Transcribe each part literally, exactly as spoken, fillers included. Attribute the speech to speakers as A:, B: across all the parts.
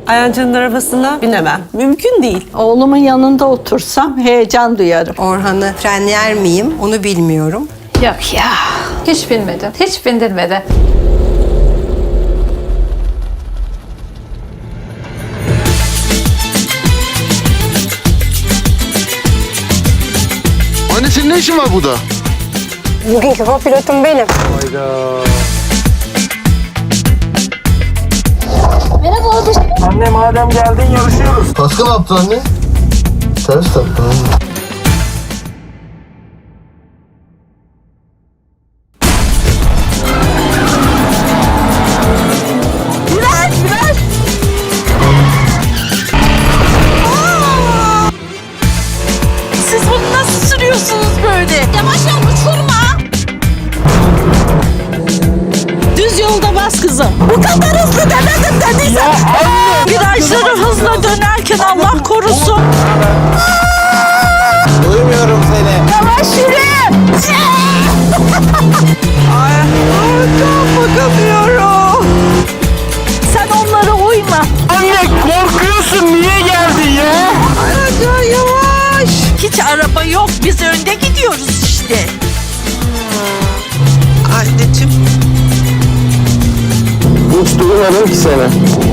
A: Ayancı'nın arabasına binemem.
B: Mümkün değil.
C: Oğlumun yanında otursam heyecan duyarım.
B: Orhan'ı frenler miyim onu bilmiyorum.
D: Yok ya. Hiç binmedi. Hiç bindirmedi.
E: Anne senin ne işin var burada?
B: Bugünkü pilotum benim.
F: Anne madem geldin yarışıyoruz.
E: Kaskı ne yaptın anne? Ters taktın anne.
C: Siz bunu nasıl sürüyorsunuz böyle? Yavaş yavaş uçurma. Düz yolda bas kızım. Bu kadar hızlı demedim dediysem. Virajları hızla dönerken Allah korusun.
F: Duymuyorum seni.
C: Yavaş yürü. Ay, ay, bakamıyorum. Sen onlara uyma.
F: Anne korkuyorsun niye geldin ya?
C: Aga yavaş. Hiç araba yok. Biz önde gidiyoruz işte. Anneciğim.
F: Hiç duymadım ki seni.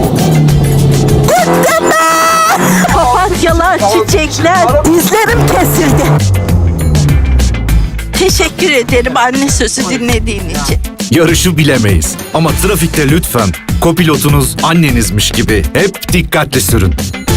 C: Papatyalar, çiçekler, dizlerim kesildi. Teşekkür ederim anne sözü dinlediğin için.
G: Yarışı bilemeyiz ama trafikte lütfen kopilotunuz annenizmiş gibi hep dikkatli sürün.